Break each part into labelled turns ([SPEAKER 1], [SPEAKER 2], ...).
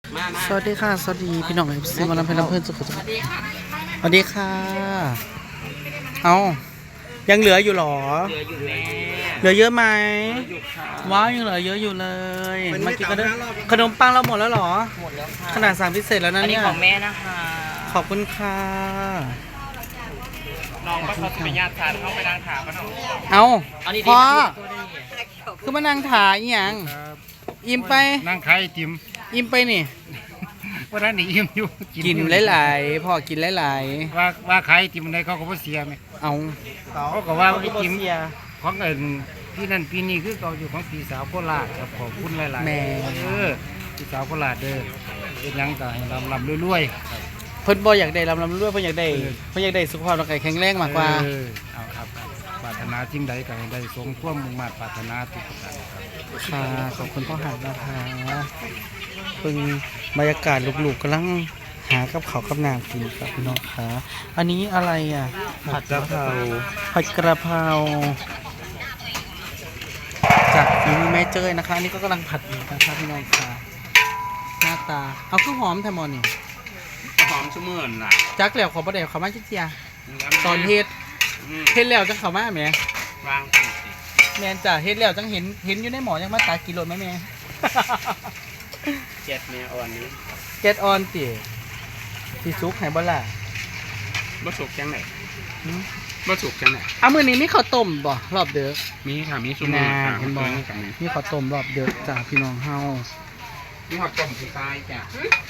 [SPEAKER 1] สวัสดีค่ะสวัสดีพี่น้องเอฟซีมาลำเพลินเพื่อนสุขสวัสดีค่ะสวัสดีค่ะเอายังเหลืออยู่หรอ
[SPEAKER 2] เหลืออยู่แม่
[SPEAKER 1] เหลือเยอะไหม
[SPEAKER 2] อยู่ค่ะ
[SPEAKER 1] ว้าวยังเหลือเยอะอยู่เลยมากินกันด้วยขนมปังเราหมดแล้วหรอ
[SPEAKER 2] หมดแล้วค่ะ
[SPEAKER 1] ขนาดสั่งพิเศษแล้วนะ
[SPEAKER 2] อันนี้
[SPEAKER 1] เนี่ย
[SPEAKER 2] ของแม่นะคะ
[SPEAKER 1] ขอบคุณค่ะ
[SPEAKER 2] น้องก็เขาจะไปญาติทานเข้าไปนางถามกันเนาะ
[SPEAKER 1] เอาพ่อ
[SPEAKER 2] ตัวได้
[SPEAKER 1] คือมานั่งถ่ายอีหยังอิ่มไป
[SPEAKER 3] นั่งขายไอติม
[SPEAKER 1] อิ่มไปนี่
[SPEAKER 3] ว่าร้านนี้อิ่มอยู่
[SPEAKER 1] กินหลายๆพ่อกินหลาย
[SPEAKER 3] ว่าขายไอติมในเขาก็บ่เสียไหม
[SPEAKER 1] ๆเอา
[SPEAKER 3] เขาก็ว่าไอติม
[SPEAKER 1] เสีย
[SPEAKER 3] ของเอิญพี่นั่นปีนี้คือเขาอยู่ของพี่สาวโคราชครับขอบคุณหลายๆ
[SPEAKER 1] แม่
[SPEAKER 3] พี่สาวโคราชเด้อเป็นหยังก็ให้ลำรวย
[SPEAKER 1] เพิ่นบ่อยากได้ลำด้วยเพิ่นอยากได้สุขภาพร่างกายแข็งแรงมากกว่า
[SPEAKER 3] เอาครับปรารถนาสิ่งใดก็ให้ได้สมความมุ่งมั่นปรารถนาทุกประการครับ
[SPEAKER 1] ค่ะขอบคุณพ่อหันนะคะเพิ่งบรรยากาศลูกๆกำลังหากับเขาวกับน้ำกินครับพี่น้องคะอันนี้อะไรอ่ะผัดกะเพราจากฝีมือแม่เจ้ยนะคะอันนี้ก็กำลังผัดอยู่นะคะพี่น้องค่ะหน้าตาเอาคือหอมแทมอนนี่
[SPEAKER 2] หอมชุ่มมื่นล่ะ
[SPEAKER 1] จักแล้วขอประเดี๋ยวเขามาจิ๊กเจียตอนเฮ็ดแล้วจังเขามาแหม
[SPEAKER 2] วาง
[SPEAKER 1] แมนจ้ะเฮ็ดแล้วจังเห็นอยู่ในหมอยังมาตากิโลไหมแม่
[SPEAKER 2] เจ็ดแม่อ่อนนี้
[SPEAKER 1] เจ็ดออนติสิซุกให้บ่ล่ะ
[SPEAKER 2] บ่สุกจังไหนบ่สุกจังไหน
[SPEAKER 1] เอามื้อนี้มีข้าวต้มบ่รอบเด้อ
[SPEAKER 2] มีค่ะมีชุ่มมื่นค่ะ
[SPEAKER 1] เห็นบ่มีข้าวต้มรอบเด้อจ้าพี่น้องเฮา
[SPEAKER 2] มีหอดต้มที่ใต้จ้ะ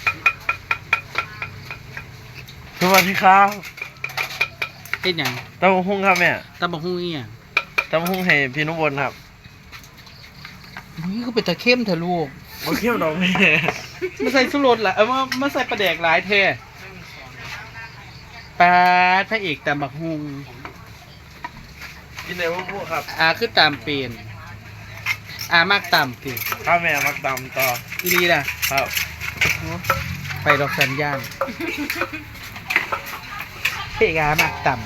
[SPEAKER 4] สวัสดีครับ
[SPEAKER 1] เฮ็ดหยัง
[SPEAKER 4] ตำบักหุ่งครับแม่
[SPEAKER 1] ตำบักหุ่งอีหยัง
[SPEAKER 4] ตำบักหุ่งให้พี่นุบลครับ
[SPEAKER 1] อุ้ยก็เป็นตะเข้มเถอะลูก
[SPEAKER 4] มาเคี่ยวดอกแม่
[SPEAKER 1] มาใส่สุรสล่ะมาใส่ปลาแดกหลายแท้ปลาพระเอกตำบักหุ่ง
[SPEAKER 4] กินไหนพวกครับ
[SPEAKER 1] คือตามเป็นมากตำติ
[SPEAKER 4] ข้าวแม่มักตำต่อ
[SPEAKER 1] อีหลีล่ะ
[SPEAKER 4] ครับ
[SPEAKER 1] ไปดอกสัญญาณเพกามากต่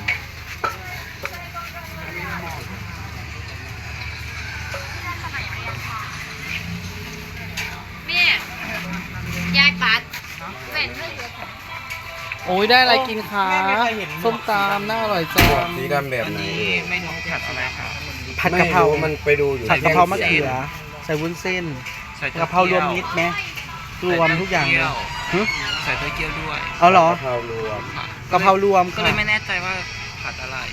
[SPEAKER 5] แม่ยายปัดแม่นเลย
[SPEAKER 1] ำโอ้ยได้อะไรกินคะส้มตำน่าอร่อยจัง
[SPEAKER 6] สีดำแบบไหน
[SPEAKER 2] นี่ไม่น้องผัดอะไรคะ
[SPEAKER 1] ผัดกะเพรา
[SPEAKER 6] ไม่มันไปดูอยู่
[SPEAKER 1] ผัดกะเพรามะเขือใส่วุ้นเส้นกะเพรารวมมิตรไหมรวมทุกอย่างเลยหึ
[SPEAKER 2] ใส่เต้าเกี๊ยวด้วย
[SPEAKER 1] เอาเหรอก
[SPEAKER 6] ะเพรารวม
[SPEAKER 1] กะเพรารวม
[SPEAKER 2] ก็
[SPEAKER 1] ค่ะ
[SPEAKER 2] เลยไม่แน่ใจว่าผัดอะไร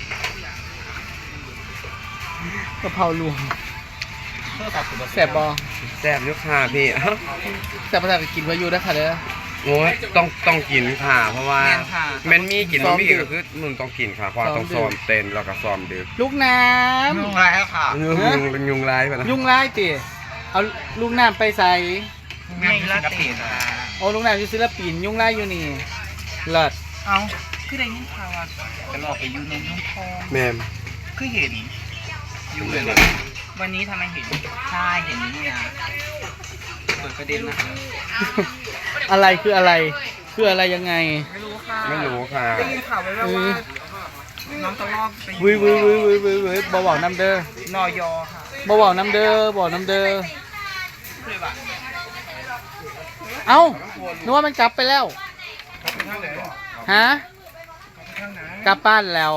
[SPEAKER 1] กะเพรารวมแสบบอ
[SPEAKER 6] แซ่บอยุค่ะพี่
[SPEAKER 1] แสบภาษากินวาอยูได้ค่ะเด้อ
[SPEAKER 6] โอ้ยต้องกินค่ะ เพราะว่า
[SPEAKER 2] แม่นค่ะ
[SPEAKER 6] แมันมีกิน
[SPEAKER 1] ซ้อม
[SPEAKER 6] มี
[SPEAKER 1] ดึก
[SPEAKER 6] ก็คือมึงต้องกินค่ะเพราะว่าต้อง
[SPEAKER 1] ซ้อมดึก
[SPEAKER 6] ซ้อมเต้นแล้วก็ซ้อมดึก
[SPEAKER 1] ลูกน้
[SPEAKER 2] นุ่งไรแล้วค่ะ
[SPEAKER 6] ยุงร้ายไปนะ
[SPEAKER 1] ำยุงไล่ติเอาลูกน้ำไปใส่
[SPEAKER 2] แม่ลาเต้นะ
[SPEAKER 1] โอ้ลูกน้ำอยู่ศิลปินยุงไล่อยู่นี่เลิศ
[SPEAKER 2] เอาคือได้ยินข่าวว่าจะหลอกไปอยู่ในยุ้งทอง
[SPEAKER 6] แม่ม
[SPEAKER 2] คือเห็นอยู่เลยวันนี้ทำไมเห็นใช่เห็นนี่นะเปิดประเด็นนะคะ
[SPEAKER 1] อะไรคืออะไรคืออะไรยังไง
[SPEAKER 2] ไม่รู้ค่ะ
[SPEAKER 6] ไม่รู้ค่ะ
[SPEAKER 2] ได้ยินข่าวไว้ว่าน้องตะลอกไปอยู่
[SPEAKER 1] วิบ่บอกน้ำเด้อน
[SPEAKER 2] อยอค่ะ
[SPEAKER 1] บ่บอกน้ำเด้อบอกน้ำเด้อ
[SPEAKER 2] เลยว่ะ
[SPEAKER 1] เอ้านึกว่ามันกลับไปแล้วฮะกลับบ้านแล้ว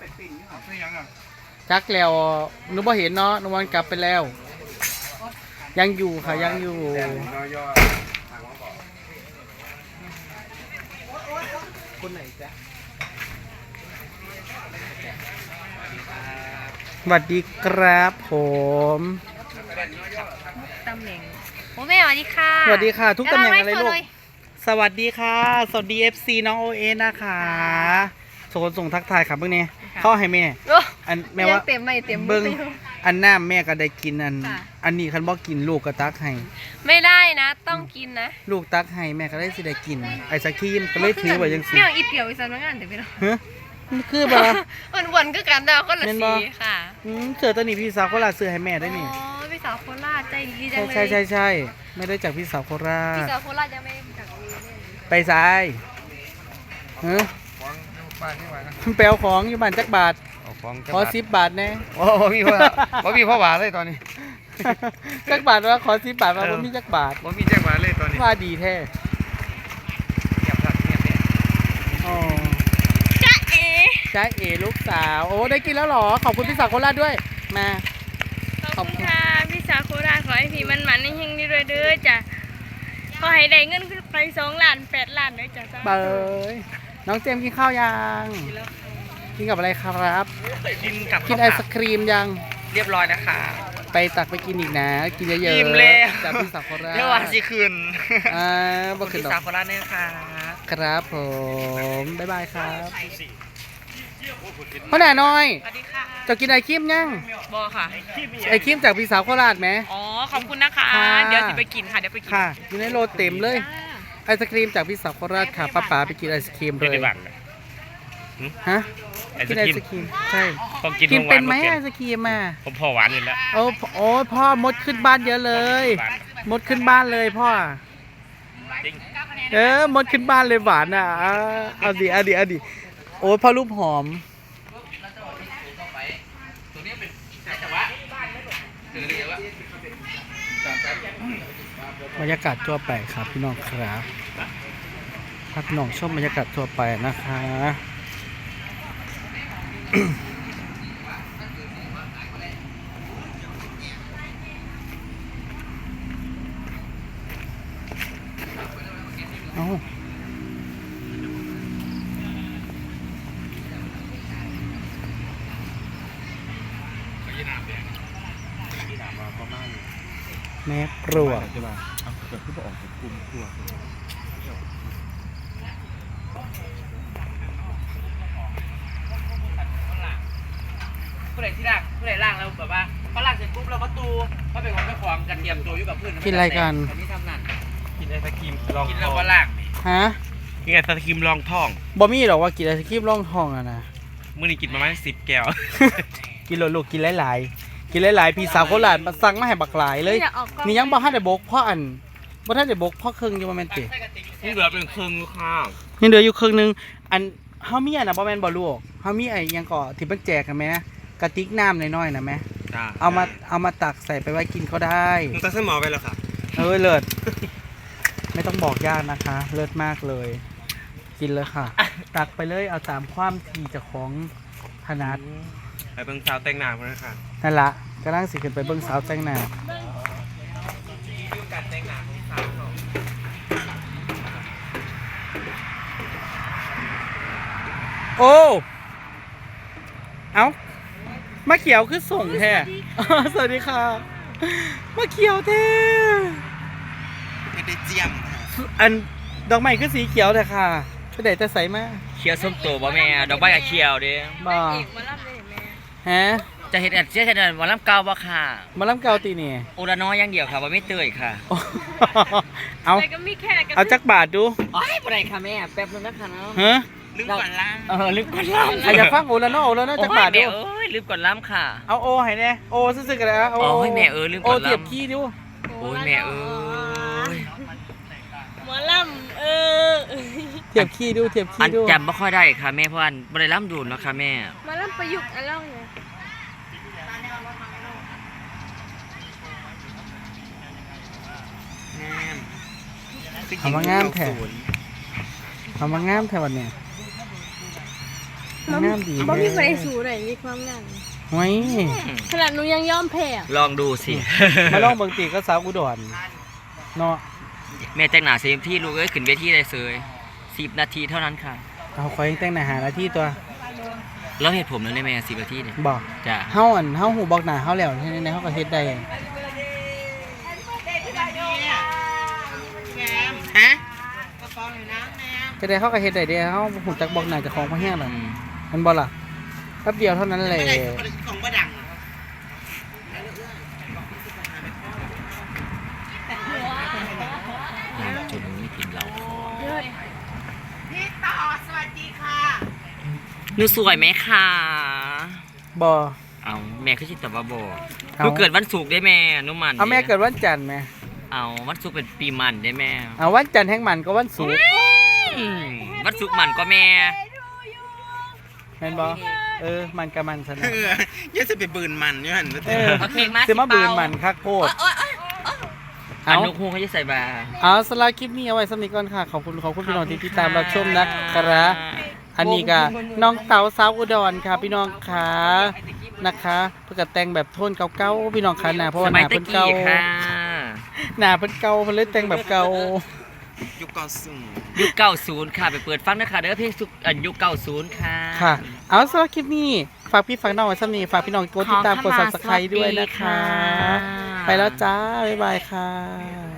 [SPEAKER 1] จักแล้วนึกว่าเห็นเนาะนึกว่ามันกลับไปแล้ว ยังอยู่ค่ะยังอยู่คนไหนจ๊ะสวัสดีครับผม
[SPEAKER 5] ตำแหน่งโอ้แม่สวัสดีค่ะ
[SPEAKER 1] สวัสดีค่ะ ทุกตำแหน่งอะไรลูก
[SPEAKER 5] เย
[SPEAKER 1] สวัสดีค่ะ สวัสดี FC น้องโอเอนะคะส่งทักทายครับเพิ่งนี้เข้าให้แม่
[SPEAKER 5] โอ้
[SPEAKER 1] อันแม่ว่า
[SPEAKER 5] ยังเต็มไม่เต็ม
[SPEAKER 1] เบิ้งอันน้ำแม่ก็ได้กิน
[SPEAKER 5] ค่ะ
[SPEAKER 1] อันนี้คันบอกกินลูกก็ตักให้
[SPEAKER 5] ไม่ได้นะ ต้องกินนะ
[SPEAKER 1] ลูกตักให้แม่ก็ได้สิได้กินไอ้สักขีมก็เลยถือไว้ยังสิ
[SPEAKER 5] ไม่เอาอีเปียวอีสานมางานเดี๋ยวไปเนาะ
[SPEAKER 1] ฮะมันคือบ่ล่ะ
[SPEAKER 5] มันวนก็กันดาวคนละ
[SPEAKER 1] แม่นบ่
[SPEAKER 5] สีค่ะ
[SPEAKER 1] เสือตัวนี้พี่สาวโคราชซื้อให้แม่ได้นี่
[SPEAKER 5] อ๋อพี่สาวโคราชใจดีจังเลย
[SPEAKER 1] ใช่ไม่ได้จากพี่สาวโครา
[SPEAKER 5] พี่
[SPEAKER 1] ช
[SPEAKER 5] สาวโคราชยังไม่จากนี้เลย
[SPEAKER 1] ไปซ้ายฮะแปลของอยู่บ้านจักบาทขอ10 บาทแน่
[SPEAKER 6] โอ้พี่พ่อว่าพี่พ่อหวานเลยตอนนี้
[SPEAKER 1] จักบาทว่าขอ10 บาทมาบ่มีจักบาท
[SPEAKER 6] ว่ามีแจ้งหวานเลยตอนนี้
[SPEAKER 1] ว่าดีแท้อ๋อ
[SPEAKER 5] จ๊ะเอ๋
[SPEAKER 1] จ้าเอ๋ลูกสาวโอ้ได้กินแล้วเหรอขอบคุณพี่สาวโคราชด้วยมา
[SPEAKER 5] ขอบคุณค่ะพี่สาวโคราชขอให้พี่มันๆในเฮงนี่ด้วยเด้อจ้ะขอให้ได้เงินขึ้นไป2 ล้าน8 ล้านเด้อจ้ะ
[SPEAKER 1] เบยน้องเจมส์กินข้าวยังกินกับอะไรครับ
[SPEAKER 2] กินกับ
[SPEAKER 1] กินไอศครีมยัง
[SPEAKER 2] เรียบร้อยนะคะ
[SPEAKER 1] ไปตักไปกินอีกนะ กินเยอะๆ
[SPEAKER 2] อิ่มแล้ว
[SPEAKER 1] จากพี่สาวโคราช
[SPEAKER 2] เมื่อวานสิคืน
[SPEAKER 1] บ่ขึ้น
[SPEAKER 2] พี่
[SPEAKER 1] ดอ
[SPEAKER 2] สาว
[SPEAKER 1] ก
[SPEAKER 2] โคราชเนี่ยค่ะ
[SPEAKER 1] ครับผมบ๊ายบายครับพ่อหน่าน้อย
[SPEAKER 2] สวัสดีค่ะ
[SPEAKER 1] จะกินไอครีมยัง
[SPEAKER 2] บอค่ะ
[SPEAKER 1] ไอครีมจากพี่สาวโคราชไหม
[SPEAKER 2] อ๋อ ขอบคุณนะคะ
[SPEAKER 1] ค่ะ
[SPEAKER 2] เดี๋ยวจะไปกินค่ะ เดี๋ยวไปกิน
[SPEAKER 1] ค่ะอยู่ในโลเต็มเลย ไอศครีมจากพี่สาวโคราชค่ะป้าป๋าไปกินไอศครีมเลยฮะกินไอศครีมใช่
[SPEAKER 7] ต้องกิน
[SPEAKER 1] กิน
[SPEAKER 7] ของห
[SPEAKER 1] เป็
[SPEAKER 7] วาน น
[SPEAKER 1] ไหม
[SPEAKER 7] บ่
[SPEAKER 1] ไอศครีมอ่ะ
[SPEAKER 7] ผมพอหวานอยู่แล้ว
[SPEAKER 1] โอ้พ่อมดขึ้นบ้านเยอะเลย มดขึ้นบ้านเลยพ่อ
[SPEAKER 7] จริง
[SPEAKER 1] มดขึ้นบ้านเลยหวานอ่ะเอาดิโอ้ยพ่อรูปหอมบรรยากาศทั่วไปครับพี่น้องครับถ้าพี่น้องชอบบรรยากาศทั่วไปนะคะ เอ้าแม่ปลวก
[SPEAKER 2] ผู้ใดที่ล่างผู้ใดล่างแล้วแบบว่าพอล่างเสร็จปุ๊บเราก็ตูเขาเป็นของเจ้าของกันเตรียมตัวอยู่กับเพื่อน
[SPEAKER 1] กินอะไรกัน
[SPEAKER 2] อันนี้ทำนั่น
[SPEAKER 7] กินไอศครีมลอง
[SPEAKER 2] กิน
[SPEAKER 7] ท้
[SPEAKER 2] แล้ว
[SPEAKER 7] อง
[SPEAKER 2] ก็ล่างนี่
[SPEAKER 1] ฮะ
[SPEAKER 7] กินไอศครีมลองท้อง
[SPEAKER 1] บ่มีหรอกว่ากินไอศครีมร่องทองอะนะ
[SPEAKER 7] มื้อนี้กินประมาณ10 แก้ว
[SPEAKER 1] กินลูกๆกินหลายๆกินหลายๆพี่สาวโคราชมาสั่งมาให้บักหลายเลย
[SPEAKER 5] อยากออกกล้อง
[SPEAKER 1] นี่ยังบ่ทันได้บกพ่ออันบ่ทันได้บกพ่อครึ่งอยู่บ่แม่นติ
[SPEAKER 7] นี่เหลือเป็นครึ่งข้าว
[SPEAKER 1] ยังเหลืออยู่ครึ่งนึงอันเฮามีอันน่ะบ่แม่นบ่ลูกเฮามีไอ้หยังก็ที่เพิ่นแจกกันแหมกระติกน้ำน้อยๆน่ะแหม
[SPEAKER 7] จ้า
[SPEAKER 1] เอามาตักใส่ไปไว้กินก็ได้
[SPEAKER 7] มึงตัดเส้นหมอไปแล้วค่ะ
[SPEAKER 1] เลิศ ไม่ต้องบอกยากนะคะ เลิศมากเลย กินเลยค่ะ ตักไปเลยเอาตามความที่เจ้าของถนัด
[SPEAKER 7] ไปเบิ่งสาวแต่งหน้าพุ่นนะค่ะ
[SPEAKER 1] นั่นละกำลังสิขึ้นไปเบิ่งสาวแต่งหน้าโอ้เอามาเขียวคือส่งแท้ สวัสดีค่ะมาเขียวแท้
[SPEAKER 2] ไม่ได้เจียม
[SPEAKER 1] อันดอกไม้คือสีเขียวแต่ค่ะไปไหนจะใสมา
[SPEAKER 2] เคียวส้มโตบ่แม่ดอกไม้กับเคียวเด้
[SPEAKER 1] บ่
[SPEAKER 5] อีกมารับเลยแม่
[SPEAKER 1] ฮะ
[SPEAKER 2] จะเห็นเสียเห็นวันลำเก่าบ่ค่ะ
[SPEAKER 1] มาล้ำเกาตีนี่
[SPEAKER 2] โอระน้อยอย่างเดียวค่ะว่าไม่เตยค่ะ
[SPEAKER 1] โอ้ เอา
[SPEAKER 5] แต่ก็มีแค่กับ
[SPEAKER 1] เอาจักบาทดู
[SPEAKER 2] อ๋อบ่ได้ค่ะแม่แป๊บนึงนะคะเนาะ
[SPEAKER 1] ฮะ
[SPEAKER 2] ลืมก่อนล่างลืมก่อนล่าง
[SPEAKER 1] อาจจะฟังโอละเนาะโอละเนาะจักบาทดู
[SPEAKER 2] เดี๋ยวลืมก่อนล่ำค่ะ
[SPEAKER 1] เอาโอให้แน่โอซื่อๆกันเลยเอา
[SPEAKER 2] อ๋อให้แม่ลืม
[SPEAKER 1] โอ
[SPEAKER 2] ก่อนลำ
[SPEAKER 1] เทียบขี้ดู
[SPEAKER 2] โอ้ยแม่ย
[SPEAKER 5] หมอลำ
[SPEAKER 1] เทียบขี้ดูเทียบ
[SPEAKER 2] อั
[SPEAKER 1] ขี้
[SPEAKER 2] น
[SPEAKER 1] ดู
[SPEAKER 2] จำไม่ค่อยได้ค่ะแม่เพราะอันบ่ได้ล่ำดูนเนาะค่ะแม่
[SPEAKER 5] หมอลำประยุกต์อะไรเนี่ย
[SPEAKER 1] ทำมางามแท้ทำมางามแท้วันเนี้ยงามดี
[SPEAKER 5] บ่มีใคร
[SPEAKER 1] แท้
[SPEAKER 5] สู้เลยมีความงาม
[SPEAKER 1] ไว้
[SPEAKER 5] ขนาดหนูยังยอมแพ้อะ
[SPEAKER 2] ลองดูสิ
[SPEAKER 1] มาลองเบิ่งตีก็สาวอุดรเนาะ
[SPEAKER 2] แม่แต่งหน้าเซมที่ลูกเอ้ยขึ้นเวทีได้เลย10 นาทีเท่านั้นค่ะ
[SPEAKER 1] เอาคอยแต่งหน้าหาหน้าที่ตัว
[SPEAKER 2] แล้วเหตุผมนั้นได้แม่10 นาทีเนี่ย
[SPEAKER 1] บอก
[SPEAKER 2] จ้ะ
[SPEAKER 1] เฮาหูบอกหน้าเฮาแล้วในเฮาก็เฮ็ดได้
[SPEAKER 2] ฮะ
[SPEAKER 1] ก็ได้เฮาก็เฮ็ดได้เด้เฮาหูจักบอกหน้าเจ้าของบ่แฮงหรอก
[SPEAKER 2] อืม
[SPEAKER 1] มันบ่ล่ะแป๊บเดียวเท่านั้นแหละ
[SPEAKER 2] จนไม่กินเหล้า
[SPEAKER 5] เลิศ
[SPEAKER 2] หนูสวยไหมคะ
[SPEAKER 1] บ่
[SPEAKER 2] เอาแม่คือชิตบาบอ
[SPEAKER 1] เอา
[SPEAKER 2] หนูเกิดวันศุกร์ได้แม่หนูมัน
[SPEAKER 1] เอาแม่เกิดวันจันทร์แม่
[SPEAKER 2] เอาวันศุกร์เป็นปีมันได้แม่
[SPEAKER 1] เอาวันจันทร์แห่งมันก็วันศุกร์
[SPEAKER 2] วันศุกร์มันก็แม่
[SPEAKER 1] แม่นบ่มันกับมันซะนะ
[SPEAKER 6] ยังจะไปบืนมันอยู่หั่น
[SPEAKER 1] เออ
[SPEAKER 2] เอาเพลงมา
[SPEAKER 1] สิมาบืนมันคักโพด
[SPEAKER 2] อันนุกฮูเขาจะใส่บา
[SPEAKER 1] เอาสำหรับคลิปนี้เอาไว้สำหรับก่อนค่ะขอบคุณพี่น้องที่ติดตามรับชมนะครับอันนี้ก็น้องเต๋าสาวอุดรค่ะพี่น้องขานะคะเพื่อกแต่งแบบโทนเก่าๆพี่น้องค่ะนะเพราะว่าห
[SPEAKER 2] สมัย
[SPEAKER 1] น้า
[SPEAKER 2] ตะ
[SPEAKER 1] เพิ่นเก่า
[SPEAKER 2] กี้ค่ะ
[SPEAKER 1] หน้าเพิ่นเก่าเพิ่นเลยแต่งแบบเก่า
[SPEAKER 7] ยุคก่อนซึ่ง
[SPEAKER 2] ยุค90ค่ะไปเปิดฟังนะคะเด้อเพลงสุกยุค90ค่ะ
[SPEAKER 1] ค่ะ เอาสำหรับคลิปนี้ฝากพี่ฝากน้องไว้สำหรับนี้ฝากพี่น้องกดติดตามกด Subscribe ด้วยนะคะ ไปแล้วจ้าบ๊ายบายค่ะ